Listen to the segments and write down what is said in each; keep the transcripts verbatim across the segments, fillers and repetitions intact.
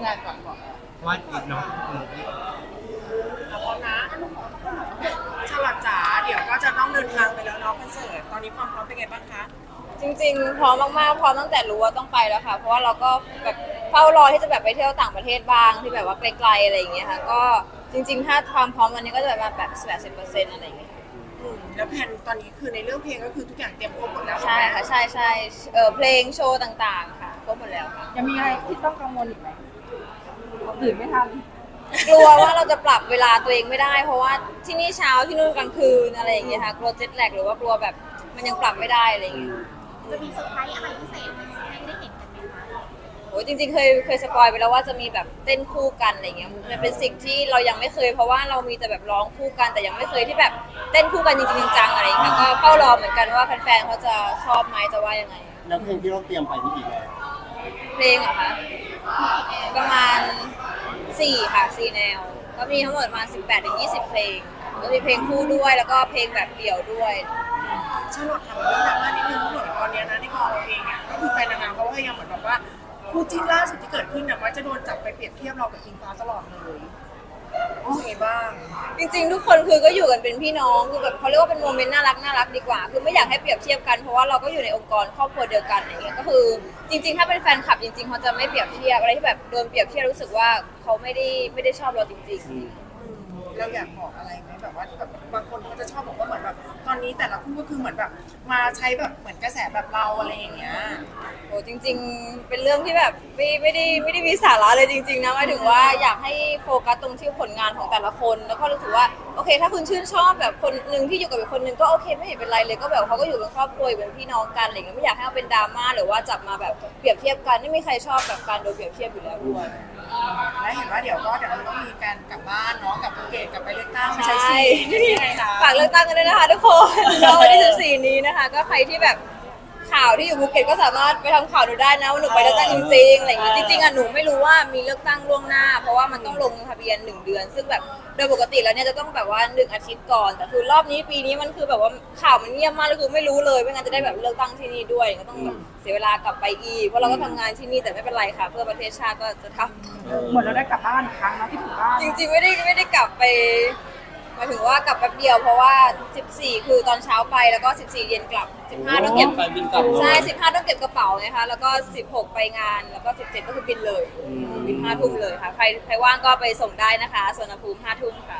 งานก่อนก่อนวาดอีกเนาะแล้วพร้อมนะฉลาดจ๋าเดี๋ยวก็จะต้องเดินทางไปแล้วเนาะคอนเสิร์ตตอนนี้ความพร้อมเป็นไงบ้างคะจริงๆพร้อมมากๆพร้อมตั้งแต่รู้ว่าต้องไปแล้วค่ะเพราะว่าเราก็แบบเฝ้ารอที่จะแบบไปเที่ยวต่างประเทศบ้างที่แบบว่าไกลๆอะไรอย่างเงี้ยค่ะก็จริงๆถ้าความพร้อมวันนี้ก็จะแบบแบบแปดสิบเปอร์เซ็นต์อะไรอย่างเงี้ยอืมแล้วแผนตอนนี้คือในเรื่องเพลงก็คือทุกอย่างเตรียมครบหมดแล้วใช่ใช่ไหมค่ะใช่ใช่เออเพลงโชว์ต่างๆค่ะครบหมดแล้วค่ะยังมีอะไรที่ต้องกังวลอีกไหมตื่นไม่ทันกลัวว่าเราจะปรับเวลาตัวเองไม่ได้เพราะว่าที่นี่เช้าที่นู่นกลางคืนอะไรอย่างเงี้ยค่ะกลัวเจ็ตแลกหรือว่ากลัวแบบมันยังปรับไม่ได้อะไรอย่างเงี้ยจะมีเซอร์ไพรส์อะไรพิเศษให้ได้เห็นกันไหมคะโอ้ยจริงๆเคยเคยสปอยไปแล้วว่าจะมีแบบเต้นคู่กันอะไรเงี้ยมันเป็นสิ่งที่เรายังไม่เคยเพราะว่าเรามีแต่แบบร้องคู่กันแต่ยังไม่เคยที่แบบเต้นคู่กันจริงๆจังๆอะไรอย่างเงี้ยก็เฝ้ารอเหมือนกันว่าแฟนๆเขาจะชอบไหมจะว่ายังไงแล้วเพลงที่เราเตรียมไปนี่อีกแล้วเพลงเหรอคะประมาณสี่ค่ะสี่แนวก็มีทั้งหมดประมาณสิบแปดถึงยี่สิบเพลงก็มีเพลงคู่ด้วยแล้วก็เพลงแบบเดี่ยวด้วยฉลาดทำเรื่องดราม่านิดนึงเพราะเหมือนตอนนี้นะที่กองเราเองอ่ะก็คือแฟนนางงามเขาพยายามเหมือนแบบว่าคู่จิ้นล่าสุดที่เกิดขึ้นเนี่ยว่าจะโดนจับไปเปรียบเทียบเรากับอิงฟ้าตลอดเลยรู้สึกไงบ้างจริงๆทุกคนคือก็อยู่กันเป็นพี่น้องคือแบบเขาเรียกว่าเป็นโมเมนต์น่ารักน่ารักดีกว่าคือไม่อยากให้เปรียบเทียบกันเพราะว่าเราก็อยู่ในองค์กรครอบครัวเดียวกันอะไรเงี้ยก็คือจริงๆถ้าเป็นแฟนคลับจริงๆเขาจะไม่เปรียบเทียบอะไรที่แบบโดนเปรียบเทียบรู้สึกว่าเขาไม่ได้ไม่ได้ชอบเราจริงๆเราอยากบอกอะไรไหมแบบว่าแบบบางคนเขาจะชอบบอกว่าเหมือนแบบตอนนี้แต่ละคู่ก็คือเหมือนแบบมาใช้แบบเหมือนกระแสแบบเราอะไรอย่างเงี้ยโอ้จริงๆเป็นเรื่องที่แบบไม่ไม่ได้ไม่ได้มีสาระเลยจริงๆนะหมายถึงว่าอยากให้โฟกัสตรงที่ผลงานของแต่ละคนแล้วก็รู้สึกว่าโอเคถ้าคุณชื่นชอบแบบคนหนึ่งที่อยู่กับอีกคนหนึ่งก็โอเคไม่เห็นเป็นไรเลยก็แบบเขาก็อยู่เป็นครอบครัวอยู่เป็นพี่น้องกันอะไรเงี้ยไม่อยากให้เอาเป็นดราม่าหรือว่าจับมาแบบเปรียบเทียบกันไม่มีใครชอบแบบการโดนเปรียบเทียบอยู่แล้วด้วยและเห็นว่าเดี๋ยวก็เดี๋ยวเราต้องมีการกลับบ้านเนาะกลับภูเก็ตกลับไปเลือกตั้งไม่ใช่สิยังไงคะฝากเลือกตั้งกันด้วยนะคะทุกคนก็วันที่สิบสี่นี้นะคะก็ใครที่แบบข่าวที่อยู่ภูเก็ตก็สามารถไปทำข่าวดูได้นะว่าหนูไปเลือกตั้งจริงๆอะไรอย่างเงี้ยจริงๆอ่ะหนูไม่รู้ว่ามีเลือกตั้งล่วงหน้าเพราะว่ามันต้องลงทะเบียนหนึ่งเดือนซึ่งแบบโดยปกติแล้วเนี่ยจะต้องแบบว่าหนึ่งอาทิตย์ก่อนแต่คือรอบนี้ปีนี้มันคือแบบว่าข่าวมันเงียบมากเลยคือไม่รู้เลยไม่งั้นจะได้แบบเลือกตั้งที่นี่ด้วยก็ต้องแบบเสียเวลากลับไปอีกเพราะเราก็ทำงานที่นี่แต่ไม่เป็นไรค่ะเพื่อประเทศชาติก็จะทำเหมือนเราได้กลับบ้านอีกครั้งนะที่ถึงบ้านจริงๆไม่ได้ไม่ได้กลับไปหมายถึงว่ากลับแป๊บเดียวเพราะว่าสิบสี่คือตอนเช้าไปแล้วก็สิบสี่เย็นกลับสิบห้าต้องเก็บใช่สิบห้าต้องเก็บกระเป๋าไงคะแล้วก็สิบหกไปงานแล้วก็สิบเจ็ดก็คือบินเลยบินห้าทุ่มเลยค่ะใครใครว่างก็ไปส่งได้นะคะสวนภูมิห้าทุ่มค่ะ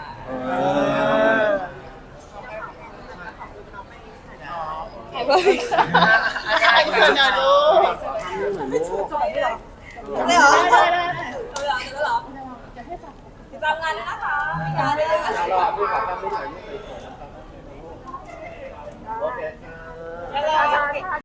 ขอบคุณค่ะไอ้คนเดียวดูได้เหรอได้ได้ได้เหรอติดตามงานด้วยนะคะงานด้วยนะคะ